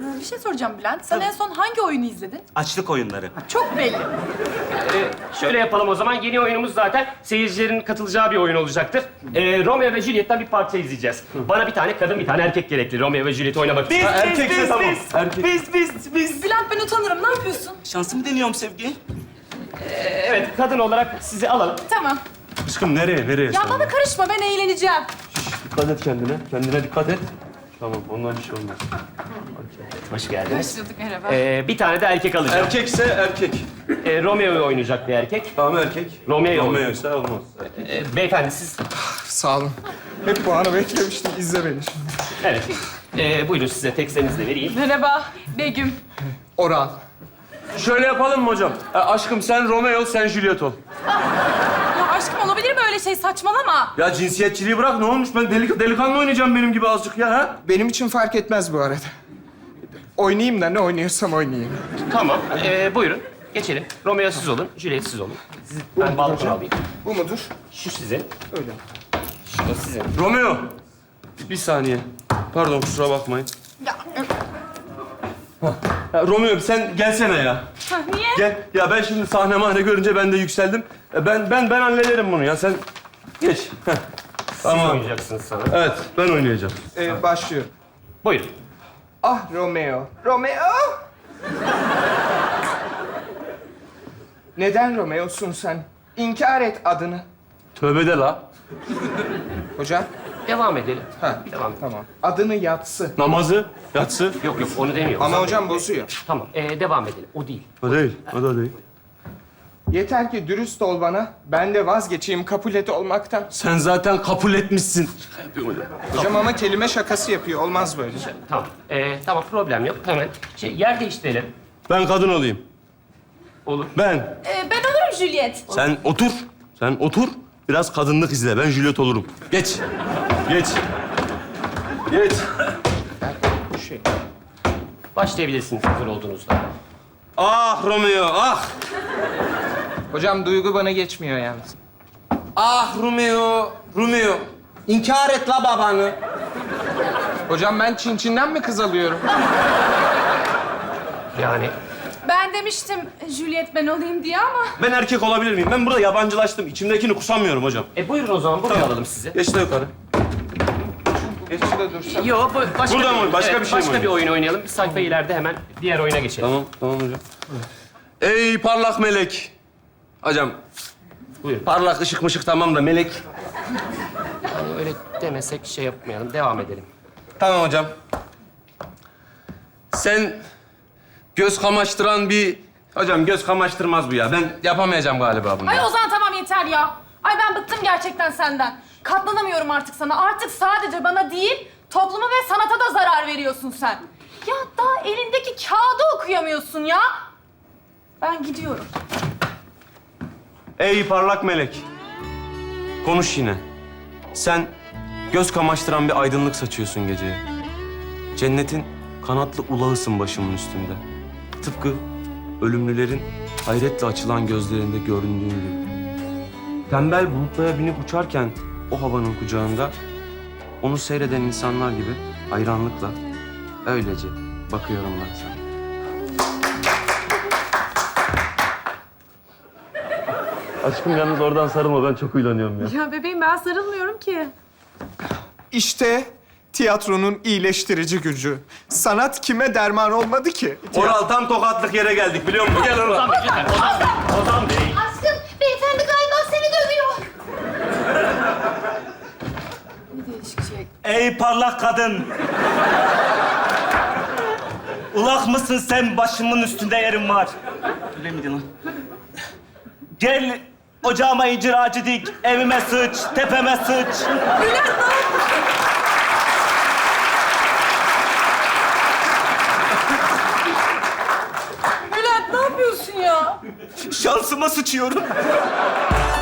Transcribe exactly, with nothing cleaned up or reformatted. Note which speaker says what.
Speaker 1: Ee, Bir şey soracağım Bülent. Sen en son hangi oyunu izledin?
Speaker 2: Açlık oyunları.
Speaker 1: Çok belli.
Speaker 3: Ee, şöyle yapalım o zaman. Yeni oyunumuz zaten seyircilerin katılacağı bir oyun olacaktır. Ee, Romeo ve Juliet'ten bir parça izleyeceğiz. Bana bir tane kadın, bir tane erkek gerekli Romeo ve Juliet oynamak için.
Speaker 2: Biz, biz,
Speaker 4: erkekse
Speaker 2: biz,
Speaker 4: tamam.
Speaker 2: biz,
Speaker 4: Erkek.
Speaker 2: biz, biz, biz.
Speaker 1: Bülent ben utanırım. Ne yapıyorsun?
Speaker 2: Şansımı deniyorum Sevgi.
Speaker 3: Ee, evet, kadın olarak sizi alalım.
Speaker 1: Tamam.
Speaker 4: Aşkım nereye, nereye?
Speaker 1: Ya bana karışma. Ben eğleneceğim.
Speaker 4: Dikkat et kendine. Kendine dikkat et. Tamam, ondan bir şey olmaz.
Speaker 3: Hoş geldiniz.
Speaker 1: Başladık merhaba.
Speaker 3: Ee, bir tane de erkek alacağım.
Speaker 4: Erkekse erkek.
Speaker 3: Ee, Romeo'yu oynayacak bir erkek.
Speaker 4: Tamam erkek.
Speaker 3: Romeo.
Speaker 4: Romeo ise olmaz.
Speaker 3: Ee, beyefendi siz...
Speaker 5: Sağ olun. Hep bu anı beklemiştim. İzle beni şimdi.
Speaker 3: Evet. Ee, buyurun size tekstlerinizi de vereyim.
Speaker 1: Merhaba Begüm.
Speaker 5: Oral.
Speaker 4: Şöyle yapalım mı hocam? E, aşkım sen Romeo, sen Juliet ol.
Speaker 1: Ya aşkım olabilir mi öyle şey? Saçmalama.
Speaker 4: Ya cinsiyetçiliği bırak, ne olmuş? Ben delik, delikanlı oynayacağım benim gibi azıcık ya, ha?
Speaker 5: Benim için fark etmez bu arada. Oynayayım da ne oynuyorsam oynayayım.
Speaker 3: Tamam. Ee, buyurun. Geçelim. Romeo siz olun, Juliet siz olun. Siz, ben balkona alayım.
Speaker 5: Bu mudur?
Speaker 3: Şu sizin,
Speaker 5: Öyle.
Speaker 3: şu da sizin.
Speaker 4: Romeo. Bir saniye. Pardon, kusura bakmayın.
Speaker 1: Ya,
Speaker 4: Ya, Romeo sen gelsene ya.
Speaker 1: ha, niye?
Speaker 4: Gel. Ya ben şimdi sahne mahne görünce ben de yükseldim. E, Ben ben ben hallederim bunu ya. Sen geç. Heh.
Speaker 3: Siz
Speaker 4: Tamam.
Speaker 3: oynayacaksınız sana.
Speaker 4: Evet, ben oynayacağım.
Speaker 5: Ee, başlıyorum.
Speaker 3: Buyurun.
Speaker 5: Ah Romeo. Romeo! Neden Romeo'sun sen? İnkar et adını.
Speaker 4: Tövbe de la.
Speaker 5: Hocam.
Speaker 3: Devam edelim.
Speaker 5: Ha,
Speaker 3: Devam.
Speaker 5: tamam. Adını yatsı.
Speaker 4: Namazı, yatsı.
Speaker 3: Yok yok onu demiyorum.
Speaker 5: Ama hocam bozuyor.
Speaker 3: Tamam. Ee, devam edelim. O değil.
Speaker 4: O değil, o da değil.
Speaker 5: Yeter ki dürüst ol bana. Ben de vazgeçeyim kabul et olmaktan.
Speaker 4: Sen zaten kabul etmişsin.
Speaker 5: Hocam ama kelime şakası yapıyor. Olmaz böyle.
Speaker 3: Tamam. Ee, tamam problem yok. Hemen şey, yer değiştirelim.
Speaker 4: Ben kadın olayım.
Speaker 3: Olur.
Speaker 4: Ben.
Speaker 1: Ee, ben olurum Juliet.
Speaker 4: Sen otur. Sen otur. Biraz kadınlık izle. Ben Juliet olurum. Geç. Geç. Geç.
Speaker 5: Bu şey.
Speaker 3: Başlayabilirsiniz hazır olduğunuzda.
Speaker 4: Ah Romeo, ah.
Speaker 5: Hocam duygu bana geçmiyor yalnız.
Speaker 4: Ah Romeo, Romeo. İnkar et la babanı.
Speaker 5: Hocam ben Çin Çin'den mi kız alıyorum?
Speaker 3: Yani
Speaker 1: Ben demiştim Juliet ben olayım diye ama.
Speaker 4: Ben erkek olabilir miyim? Ben burada yabancılaştım. İçimdekini kusamıyorum hocam.
Speaker 3: e buyurun o zaman buraya alalım sizi.
Speaker 4: Geç de yukarı.
Speaker 5: Geç şurada dursam.
Speaker 3: Yok bu başka
Speaker 4: Burada
Speaker 3: bir,
Speaker 4: mı? Başka bir şey mi
Speaker 3: Başka bir
Speaker 4: oynayalım?
Speaker 3: oyun oynayalım. Bir sayfa ileride hemen diğer oyuna geçelim.
Speaker 4: Tamam, tamam hocam. Ey parlak melek. Hocam,
Speaker 3: Buyurun.
Speaker 4: parlak ışık mışık tamam da melek.
Speaker 3: Yani öyle demesek şey yapmayalım. Devam edelim.
Speaker 4: Tamam hocam. Sen göz kamaştıran bir... Hocam göz kamaştırmaz bu ya. Ben yapamayacağım galiba bunu.
Speaker 1: Ay Ozan tamam yeter ya. Ay ben bıktım gerçekten senden. Katlanamıyorum artık sana. Artık sadece bana değil, topluma ve sanata da zarar veriyorsun sen. Ya daha elindeki kağıdı okuyamıyorsun ya. Ben gidiyorum.
Speaker 4: Ey parlak melek. Konuş yine. Sen göz kamaştıran bir aydınlık saçıyorsun geceye. Cennetin kanatlı ulağısın başımın üstünde. Tıpkı ölümlülerin hayretle açılan gözlerinde göründüğün gibi. Tembel bulutlara binip uçarken o havanın kucağında onu seyreden insanlar gibi hayranlıkla öylece bakıyorum ben sana. Aşkım yalnız oradan sarılma. Ben çok uylanıyorum ya.
Speaker 1: Ya bebeğim ben sarılmıyorum ki.
Speaker 5: İşte tiyatronun iyileştirici gücü. Sanat kime derman olmadı ki?
Speaker 4: Oral tam tokatlık yere geldik biliyor musun? Gel Oral.
Speaker 3: Ozan Bey, lütfen. Ozan Bey. Ozan Bey.
Speaker 6: Aşkım, beyefendi galiba seni dövüyor.
Speaker 1: Ne değişik şey.
Speaker 2: Ey parlak kadın. Ulak mısın sen? Başımın üstünde yerim var. Öyle miydi lan? Gel ocağıma incir ağacı dik. Evime sıç, tepeme sıç.
Speaker 1: Bülent ne yapıyorsun ya?
Speaker 2: Şansıma sıçıyorum.